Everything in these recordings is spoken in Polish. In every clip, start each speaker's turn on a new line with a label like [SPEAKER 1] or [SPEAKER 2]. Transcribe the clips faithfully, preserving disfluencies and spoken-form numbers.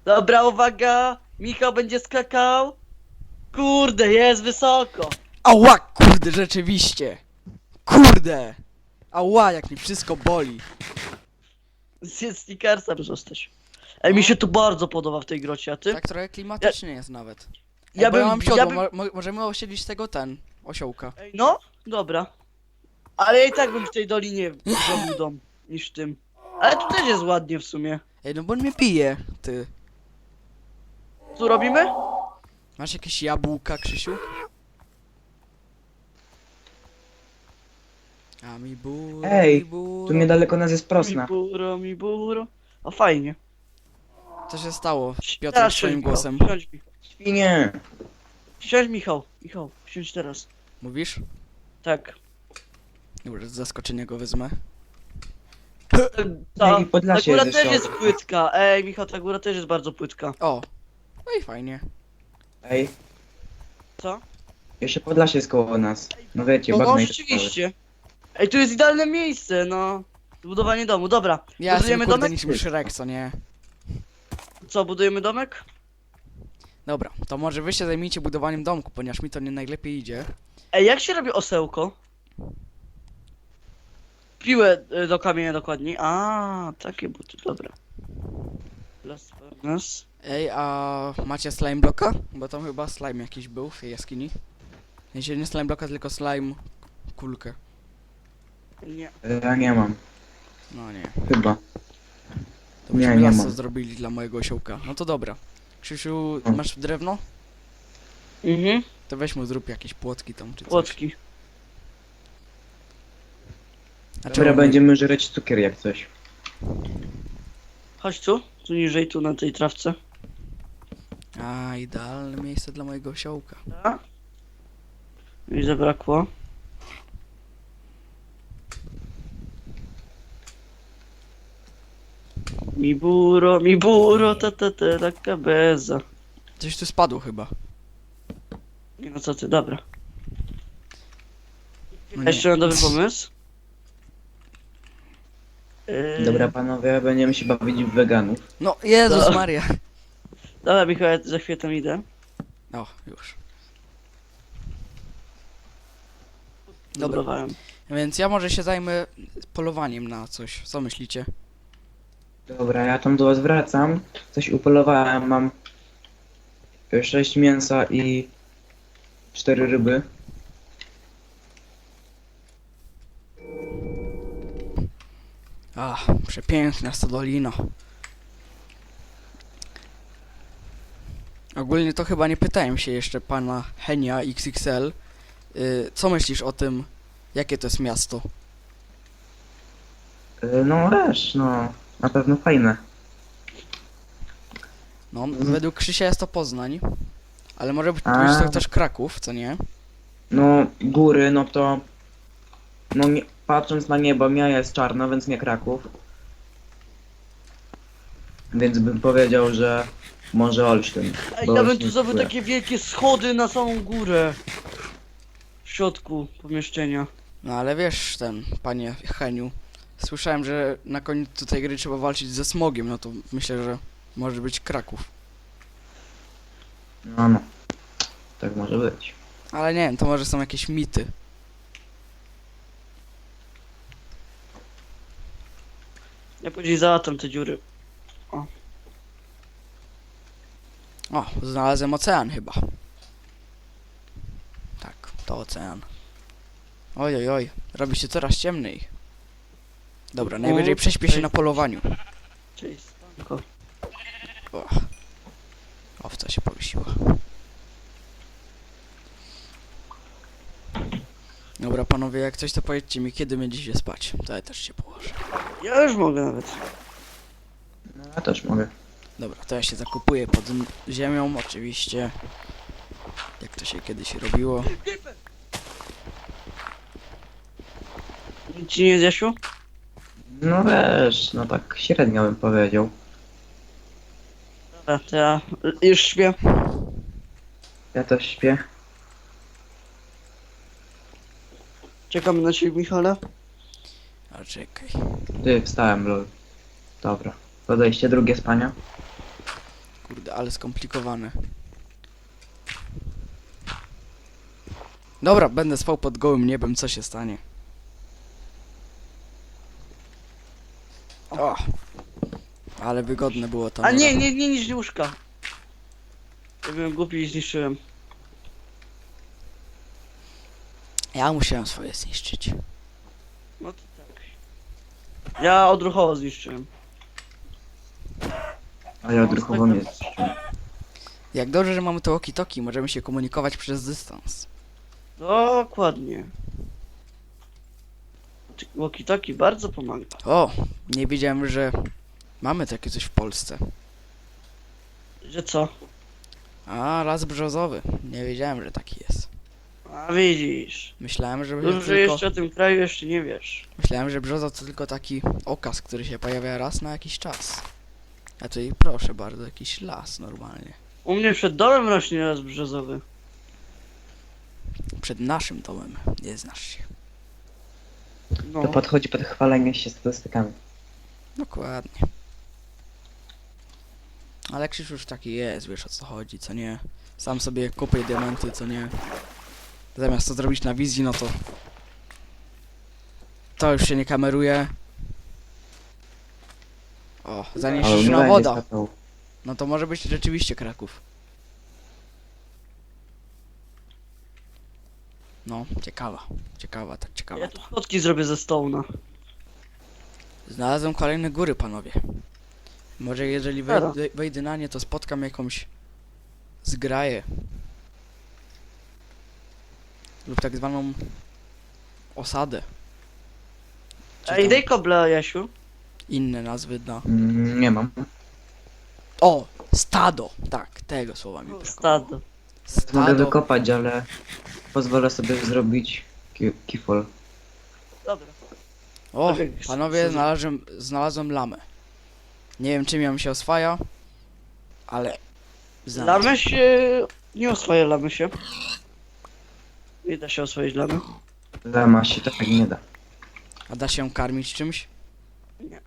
[SPEAKER 1] Dobra, uwaga! Michał będzie skakał. Kurde, jest wysoko.
[SPEAKER 2] Ała, kurde, rzeczywiście. Kurde. Ała, jak mi wszystko boli.
[SPEAKER 1] Zjedz Snickersa zostać. Ej, mi się tu bardzo podoba w tej grocie, a ty?
[SPEAKER 2] Tak trochę klimatycznie jest nawet. Ej,
[SPEAKER 1] Ja
[SPEAKER 2] bo ja
[SPEAKER 1] bym-
[SPEAKER 2] mam siodło,
[SPEAKER 1] ja bym-
[SPEAKER 2] mo mo możemy osiedlić tego ten, osiołka.
[SPEAKER 1] Ej, no, dobra. Ale ja i tak bym w tej dolinie zrobił dom, niż w tym. Ale tu też jest ładnie w sumie.
[SPEAKER 2] Ej, no bo on mnie pije, ty.
[SPEAKER 1] Tu robimy?
[SPEAKER 2] Masz jakieś jabłka, Krzysiu? A mi buro,
[SPEAKER 3] Ej,
[SPEAKER 2] mi buro.
[SPEAKER 3] Tu niedaleko nas jest
[SPEAKER 1] Mi
[SPEAKER 3] prosna.
[SPEAKER 1] buro, mi buro. O, fajnie.
[SPEAKER 2] Co się stało, Piotr,
[SPEAKER 1] Teraz
[SPEAKER 2] swoim
[SPEAKER 1] siądź,
[SPEAKER 2] głosem?
[SPEAKER 1] Michał, Siądź, Michał.
[SPEAKER 3] Świnie!
[SPEAKER 1] Siądź, Michał. Michał, siądź teraz.
[SPEAKER 2] Mówisz?
[SPEAKER 1] Tak.
[SPEAKER 2] Dobra, z zaskoczenia go wezmę.
[SPEAKER 1] Ta,
[SPEAKER 3] Ej,
[SPEAKER 1] ta
[SPEAKER 3] Podlasie
[SPEAKER 1] góra
[SPEAKER 3] jest
[SPEAKER 1] też
[SPEAKER 3] jeszcze
[SPEAKER 1] jest
[SPEAKER 3] obok.
[SPEAKER 1] płytka. Ej, Michał, ta góra też jest bardzo płytka.
[SPEAKER 2] O, no i fajnie.
[SPEAKER 3] Ej,
[SPEAKER 1] Co?
[SPEAKER 3] jeszcze Podlasie jest koło nas. No wiecie,
[SPEAKER 1] No, no
[SPEAKER 3] bagna i te
[SPEAKER 1] rzeczywiście. Ej, tu jest idealne miejsce, no. Zbudowanie domu, dobra.
[SPEAKER 2] Ja jestem
[SPEAKER 1] Budujemy
[SPEAKER 2] kurde
[SPEAKER 1] domek?
[SPEAKER 2] niczym Shrek, co nie?
[SPEAKER 1] Co, budujemy domek?
[SPEAKER 2] Dobra, to może wy się zajmijcie budowaniem domku, ponieważ mi to nie najlepiej idzie.
[SPEAKER 1] Ej, jak się robi osełko? Piłę y, do kamienia dokładniej. A, takie buty, dobra. Las furnace.
[SPEAKER 2] Ej, a macie slime bloka? Bo tam chyba slime jakiś był w tej jaskini. Nie, nie slime bloka, tylko slime kulkę.
[SPEAKER 1] Nie.
[SPEAKER 3] całe. Ja nie mam,
[SPEAKER 2] No nie.
[SPEAKER 3] chyba.
[SPEAKER 2] To
[SPEAKER 3] Nie,
[SPEAKER 2] byśmy
[SPEAKER 3] nie
[SPEAKER 2] las
[SPEAKER 3] mam.
[SPEAKER 2] co zrobili dla mojego osiołka. No to dobra. Krzysiu,
[SPEAKER 3] O.
[SPEAKER 2] masz drewno?
[SPEAKER 1] Mhm,
[SPEAKER 2] To weź mu zrób jakieś płotki tam czy coś.
[SPEAKER 1] płotki.
[SPEAKER 2] A
[SPEAKER 3] Dobra,
[SPEAKER 2] czemu
[SPEAKER 3] będziemy żreć cukier jak coś.
[SPEAKER 1] Chodź tu, tu niżej, tu na tej trawce.
[SPEAKER 2] nie? A, idealne miejsce dla mojego osiołka.
[SPEAKER 1] A? Mi zabrakło. Mi buro, mi buro, ta ta ta la cabeza.
[SPEAKER 2] Coś tu spadło chyba.
[SPEAKER 1] Nie no co ty, dobra.
[SPEAKER 2] No
[SPEAKER 1] Jeszcze
[SPEAKER 2] nie.
[SPEAKER 1] mam dobry pomysł. Yy,
[SPEAKER 3] Dobra panowie, będziemy się bawić w weganów.
[SPEAKER 2] No, Jezus
[SPEAKER 1] To-
[SPEAKER 2] Maria.
[SPEAKER 1] Dobra, Michał, ja za chwilę tam idę.
[SPEAKER 2] O, już. Dobra.
[SPEAKER 1] Dobrowałem.
[SPEAKER 2] Więc ja może się zajmę polowaniem na coś. Co myślicie?
[SPEAKER 3] Dobra, ja tam do was wracam. Coś upolowałem, mam sześć mięsa i cztery ryby.
[SPEAKER 2] Ach, przepiękna stodolina. Ogólnie to chyba nie pytałem się jeszcze pana Henia X X L. Yy, co myślisz o tym, jakie to jest miasto?
[SPEAKER 3] Y, No wiesz, no, na pewno fajne.
[SPEAKER 2] No,
[SPEAKER 3] Mhm.
[SPEAKER 2] według Krzysia jest to Poznań, ale może być,
[SPEAKER 3] A.
[SPEAKER 2] być to też Kraków, co nie?
[SPEAKER 3] No, góry, no to... No, nie, patrząc na niebo, mija jest czarno, więc nie Kraków. Więc bym powiedział, że może Olsztyn.
[SPEAKER 1] Ej,
[SPEAKER 3] bo
[SPEAKER 1] ja bym
[SPEAKER 3] Olsztyn
[SPEAKER 1] tu zrobił
[SPEAKER 3] kupuje.
[SPEAKER 1] takie wielkie schody na samą górę. W środku pomieszczenia.
[SPEAKER 2] No ale wiesz, ten, panie Heniu, słyszałem, że na końcu tej gry trzeba walczyć ze smogiem, no to myślę, że może być Kraków.
[SPEAKER 3] No, no. Tak może być.
[SPEAKER 2] Ale nie wiem, to może są jakieś mity.
[SPEAKER 1] Ja później załatam te dziury.
[SPEAKER 2] O, znalazłem ocean chyba. Tak, to ocean. Oj, oj, oj, robi się coraz ciemniej. Dobra, najwyżej prześpię się na polowaniu.
[SPEAKER 1] Cześć, spanko.
[SPEAKER 2] O, owca się powiesiła. Dobra, panowie, jak coś to powiedzcie mi, kiedy będziecie spać. To ja też się położę.
[SPEAKER 1] Ja już mogę nawet.
[SPEAKER 3] No, ja też mogę.
[SPEAKER 2] Dobra, to ja się zakupuję pod m- ziemią, oczywiście. Jak to się kiedyś robiło.
[SPEAKER 1] Nic ci nie zjasiu?
[SPEAKER 3] No wiesz, no tak średnio bym powiedział.
[SPEAKER 1] Dobra, to ja już śpię.
[SPEAKER 3] Ja też śpię.
[SPEAKER 1] Czekamy na ciebie, Michale.
[SPEAKER 2] A czekaj.
[SPEAKER 3] Ty, wstałem, lol. Dobra. Podejście drugie spania.
[SPEAKER 2] Kurde, ale skomplikowane. Dobra, będę spał pod gołym niebem, co się stanie. O! Ale wygodne było to.
[SPEAKER 1] A nie, nie, nie niż łóżka. Ja byłem głupi i zniszczyłem.
[SPEAKER 2] Ja musiałem swoje zniszczyć.
[SPEAKER 1] No to tak. Ja odruchowo zniszczyłem.
[SPEAKER 3] A ja odruchowo nie jest.
[SPEAKER 2] Jak dobrze, że mamy to walkie-talkie, możemy się komunikować przez dystans.
[SPEAKER 1] Dokładnie. Walkie-talkie bardzo pomaga.
[SPEAKER 2] O! Nie wiedziałem, że mamy takie coś w Polsce.
[SPEAKER 1] Że co?
[SPEAKER 2] A, las brzozowy. Nie wiedziałem, że taki jest.
[SPEAKER 1] A widzisz.
[SPEAKER 2] Myślałem, że
[SPEAKER 1] Dobrze, że
[SPEAKER 2] tylko...
[SPEAKER 1] jeszcze o tym kraju jeszcze nie wiesz.
[SPEAKER 2] Myślałem, że brzoza to tylko taki okaz, który się pojawia raz na jakiś czas. A tutaj proszę bardzo, jakiś las normalnie.
[SPEAKER 1] U mnie przed domem rośnie las brzozowy.
[SPEAKER 2] Przed naszym domem. Nie znasz się.
[SPEAKER 1] No.
[SPEAKER 3] To podchodzi pod chwalenie się statystykami.
[SPEAKER 2] Dokładnie. Ale Krzyż już taki jest, wiesz o co chodzi, co nie. Sam sobie kupuję diamenty, co nie. Zamiast to zrobić na wizji, no to... To już się nie kameruje. O,
[SPEAKER 3] Ale
[SPEAKER 2] zanieczyszczona
[SPEAKER 3] nie
[SPEAKER 2] woda.
[SPEAKER 3] będzie skakał.
[SPEAKER 2] No to może być rzeczywiście Kraków. No, ciekawa. Ciekawa, tak ciekawa
[SPEAKER 1] Ja
[SPEAKER 2] to.
[SPEAKER 1] tu schodki zrobię ze stołna.
[SPEAKER 2] Znalazłem kolejne góry, panowie. Może jeżeli
[SPEAKER 1] Dobra.
[SPEAKER 2] wejdę, wejdę na nie, to spotkam jakąś zgraję. Lub tak zwaną osadę. Czy
[SPEAKER 1] Ej,
[SPEAKER 2] tam
[SPEAKER 1] daj kobla, Jasiu.
[SPEAKER 2] inne nazwy dla...
[SPEAKER 3] Mm, nie mam.
[SPEAKER 2] O! Stado! Tak, tego słowa mi brakowało.
[SPEAKER 1] Stado.
[SPEAKER 3] Mogę
[SPEAKER 2] Stado.
[SPEAKER 3] wykopać, ale pozwolę sobie zrobić ki kifol.
[SPEAKER 1] Dobra.
[SPEAKER 2] O!
[SPEAKER 1] Tak,
[SPEAKER 2] Panowie,
[SPEAKER 1] co-
[SPEAKER 2] znalazłem, znalazłem lamę. Nie wiem czym ją się oswaja, ale... znalazłem.
[SPEAKER 1] Lamy się... Nie oswaja lamy się. Nie da się oswoić lamy.
[SPEAKER 3] Lama się tak nie da.
[SPEAKER 2] A da się ją karmić czymś?
[SPEAKER 1] Nie.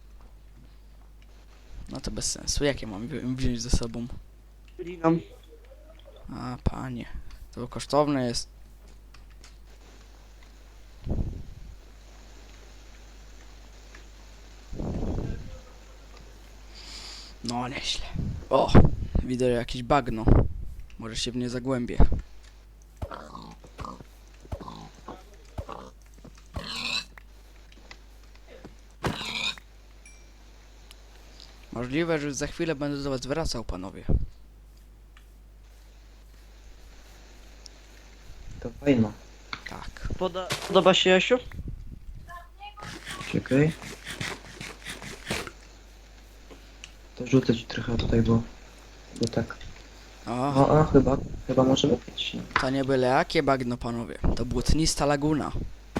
[SPEAKER 2] No to bez sensu. Jak ja mam ją wziąć ze sobą?
[SPEAKER 1] Liną.
[SPEAKER 2] A, panie. To kosztowne jest. No, nieźle. O! Widzę jakieś bagno. Może się w nie zagłębię. Możliwe, że za chwilę będę do was wracał, panowie.
[SPEAKER 3] To fajno.
[SPEAKER 2] Tak.
[SPEAKER 1] Poda podoba się, Jasiu?
[SPEAKER 3] Czekaj. To rzucę ci trochę tutaj, bo... Bo tak.
[SPEAKER 2] O,
[SPEAKER 3] O, o, chyba, chyba może być.
[SPEAKER 2] to nie byle jakie bagno, panowie. To błotnista laguna.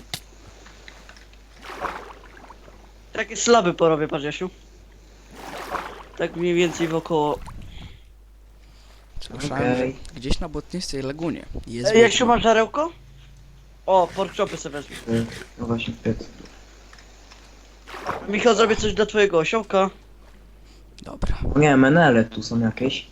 [SPEAKER 1] Takie slaby porobię, patrz, Jasiu. Tak mniej więcej wokoło.
[SPEAKER 2] Słyszałem,
[SPEAKER 3] Okej.
[SPEAKER 2] że gdzieś na błotnistej lagunie jest
[SPEAKER 1] Ej, Jasiu,
[SPEAKER 2] wiedźma.
[SPEAKER 1] masz żarełko? O, porkchopy sobie wezmę.
[SPEAKER 3] Y, No właśnie, piec.
[SPEAKER 1] Michał, zrobię coś dla twojego osiołka.
[SPEAKER 2] Dobra.
[SPEAKER 3] O nie, menele tu są jakieś.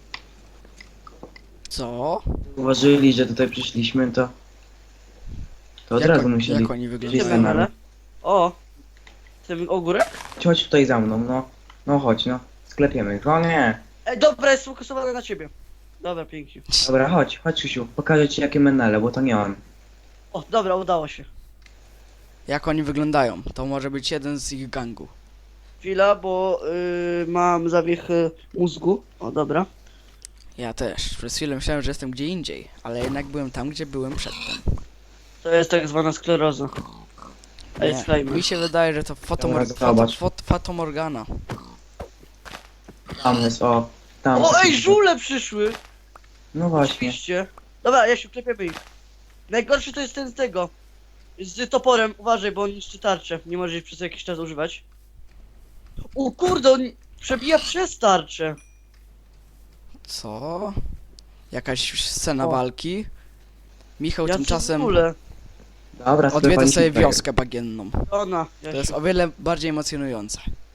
[SPEAKER 2] Co?
[SPEAKER 3] Uważyli, że tutaj przyszliśmy, to... To od
[SPEAKER 2] Jak
[SPEAKER 3] razu
[SPEAKER 2] on-
[SPEAKER 3] musieli...
[SPEAKER 2] jak oni
[SPEAKER 1] Gdzie
[SPEAKER 2] wyglądają?
[SPEAKER 3] Wszyscy na-
[SPEAKER 1] menele? O! Ten ogórek?
[SPEAKER 3] Chodź tutaj za mną, no. No chodź, no. Sklepiemy ich. O nie!
[SPEAKER 1] Ej, dobra, jest sfokusowane na ciebie. Dobra, pięknie.
[SPEAKER 3] Dobra, chodź, chodź Krzysiu, pokażę ci jakie menele, bo to nie on.
[SPEAKER 1] O, dobra, udało się.
[SPEAKER 2] Jak oni wyglądają? To może być jeden z ich gangu.
[SPEAKER 1] Chwila, bo yy, mam zawiech y, mózgu. O, dobra.
[SPEAKER 2] Ja też. Przez chwilę myślałem, że jestem gdzie indziej, ale jednak byłem tam, gdzie byłem przedtem.
[SPEAKER 1] To jest tak zwana skleroza. Ej,
[SPEAKER 2] Nie,
[SPEAKER 1] sklejmy.
[SPEAKER 2] mi się wydaje, że to fotomor
[SPEAKER 3] Dobra,
[SPEAKER 2] foto
[SPEAKER 3] zobacz.
[SPEAKER 2] fot fatomorgana.
[SPEAKER 3] Tam jest, o. Tam.
[SPEAKER 1] O, ej, żule przyszły!
[SPEAKER 3] No właśnie.
[SPEAKER 1] Oczywiście. Dobra, Jasiu, klepiemy ich. Najgorszy to jest ten z tego. Z toporem, uważaj, bo on niszczy tarczę. Nie możesz ich przez jakiś czas używać. O kurde, on przebija przez tarczę.
[SPEAKER 2] Co? Jakaś scena
[SPEAKER 1] O.
[SPEAKER 2] walki? Michał
[SPEAKER 1] Ja
[SPEAKER 2] tymczasem
[SPEAKER 1] w ogóle.
[SPEAKER 3] Dobra,
[SPEAKER 2] odwiedza
[SPEAKER 3] sklepaliśmy
[SPEAKER 2] sobie
[SPEAKER 3] tutaj.
[SPEAKER 2] wioskę bagienną.
[SPEAKER 1] Ona,
[SPEAKER 2] To jest
[SPEAKER 1] Jasiu.
[SPEAKER 2] o wiele bardziej emocjonujące.